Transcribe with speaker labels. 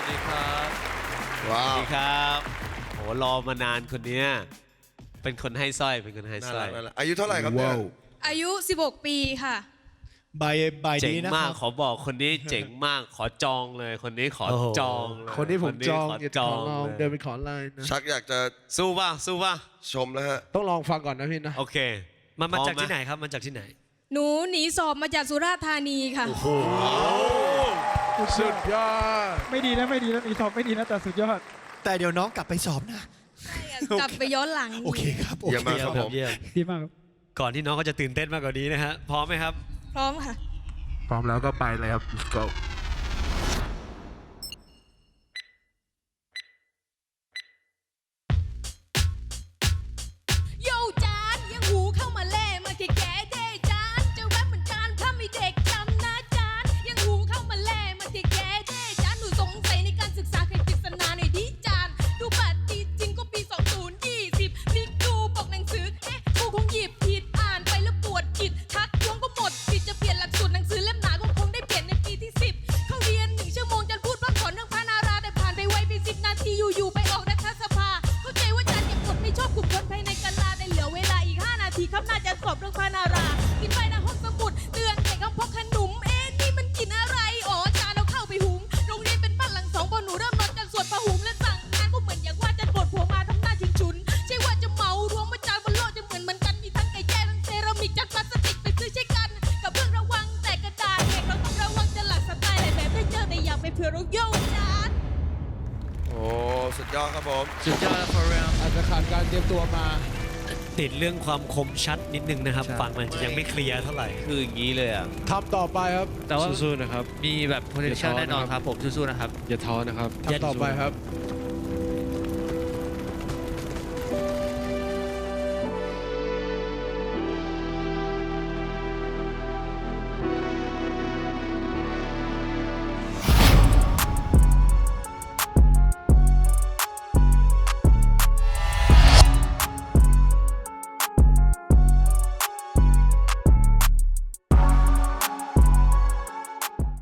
Speaker 1: ดีครับ
Speaker 2: ว้า
Speaker 3: สวั
Speaker 2: ว
Speaker 3: สดีครับโหรอมานานคนเนี้ยเป็นคนให้สร้อยเป็นคนให้
Speaker 2: น่า
Speaker 3: สร้
Speaker 2: รั
Speaker 3: อก ย
Speaker 2: น่ารักอายุเท่าไหร่ครับเนี่ย
Speaker 4: อายุ 16 ปีค่ะ
Speaker 5: ใบ
Speaker 3: เจ๋ง
Speaker 5: นี้นะค
Speaker 3: มา
Speaker 5: รั
Speaker 3: ก
Speaker 5: บ
Speaker 3: ขอบอกคนนี้เจ๋งมากขอจองเลยคนนี้ขอ
Speaker 5: โอ้โห
Speaker 3: จองเลย
Speaker 6: คนที่ผมจอง
Speaker 3: ข
Speaker 6: อย่า
Speaker 3: จ
Speaker 6: ข
Speaker 3: อ
Speaker 6: อง ลอง
Speaker 3: เลย
Speaker 6: เดินไปขอไลน์นะ
Speaker 2: ชักอยากจะ
Speaker 3: สู้ป่ะสู้ป่ะ
Speaker 2: ชมแล้วฮะ
Speaker 6: ต้องลองฟังก่อนนะพี่นะ
Speaker 3: โอเค
Speaker 5: มาจาก
Speaker 3: พร้อ
Speaker 5: ที่ไหนครับมาจากที่ไหน
Speaker 4: หนูหนีสอบมาจากสุราษฎร์ธานีค่ะ
Speaker 6: สุดยอด
Speaker 7: ไม่ดีนะไม่ดีนะมีสอบไม่ดีนะแต่สุดยอด
Speaker 5: แต่เดี๋ยวน้องกลับไปสอบนะ
Speaker 4: กลับไปย้อนหลัง
Speaker 5: โอเคครับโอ
Speaker 2: เยี่ยม
Speaker 5: เค
Speaker 2: มากครับผม
Speaker 5: เยี่ยม
Speaker 7: ดีมากครับ
Speaker 5: ก่อนที่น้องเขาจะตื่นเต้นมากกว่านี้นะฮะพร้อมไหมครับ
Speaker 4: พร้อมค่ะ
Speaker 6: พร้อมแล้วก็ไปเลยครับ go
Speaker 4: โยจานยังหูเข้ามาแล่มาแก่แก่เด้จานจะแวบเหมือนจานถ้ามีเด็กจำนะจานยังหูเข้ามาแล่มาแก่แก่เด้จานหนูสงสัยในการศึกษาใครปริศนาหน่อยดิจานดูบัตรดีจริงก็ปี 2020พลิกดูปกหนังสือครูคงหยิบผิดอ่านไปแล้วปวดจิตทักท้วงก็หมดสิทธิ์จะเปลี่ยนหลักสูตรหนังสือเล่มหนาก็คงได้เปลี่ยนในปีที่ 10เข้าเรียน1 ชั่วโมงจานพูดพร่ำสอนเรื่องพระนาราแต่ผ่านไปไวไป10 นาทีอยู่ๆไปออกรัฐสภาเข้าใจว่าจานเก็บกดไม่ชอบกลุ่มคนภายในกาลาแต่เหลือเวลาอีก 5 นาทีครับน่าจะสอบเรื่องพระนารากินไปนะห้องสมุดเตือนเด็กห้องพกขนมนี่มันกินอะไรอ๋อจานเราเข้าไปหุงโรงเรียนเป็นบ้านหลัง2พอหนูเริ่มนอนจานสวดพระหุงและสั่งงานก็เหมือนอย่างว่าจานปวดหัวมาทำหน้าชิงชุนใช่ว่าจะเมารวมว่าจานบนโลกจะเหมือนกันมีทั้งไก่แจ้ทั้งเซรามิกจานพลาสติกไปซื้อใช้กันกับเรื่องระวังแต่กระดาษเด็กเราต้องระวังจะหลักสไตล์อะไรแบบได้เจอแต่อยากไปเผื่อเราโยกจาน
Speaker 2: โอ้สุดยอดครับผม
Speaker 5: สุดยอด for real
Speaker 6: อาจจะขาดการเตรียมตัวมา
Speaker 5: ติดเรื่องความคมชัดนิดนึงนะครับ
Speaker 6: ใช่
Speaker 5: ฟังมันจะยังไม่เคลียร์เท่าไหร่
Speaker 3: คืออย่างนี้เลยอ่ะ
Speaker 6: ทำต่อไปครับ
Speaker 1: แต่ว่า
Speaker 6: สู้ๆนะครับ
Speaker 1: มีแบบ potential แน่นอนครับผมสู้ๆนะครับ
Speaker 6: อย่าท้อนะครับทำต่อไปครับ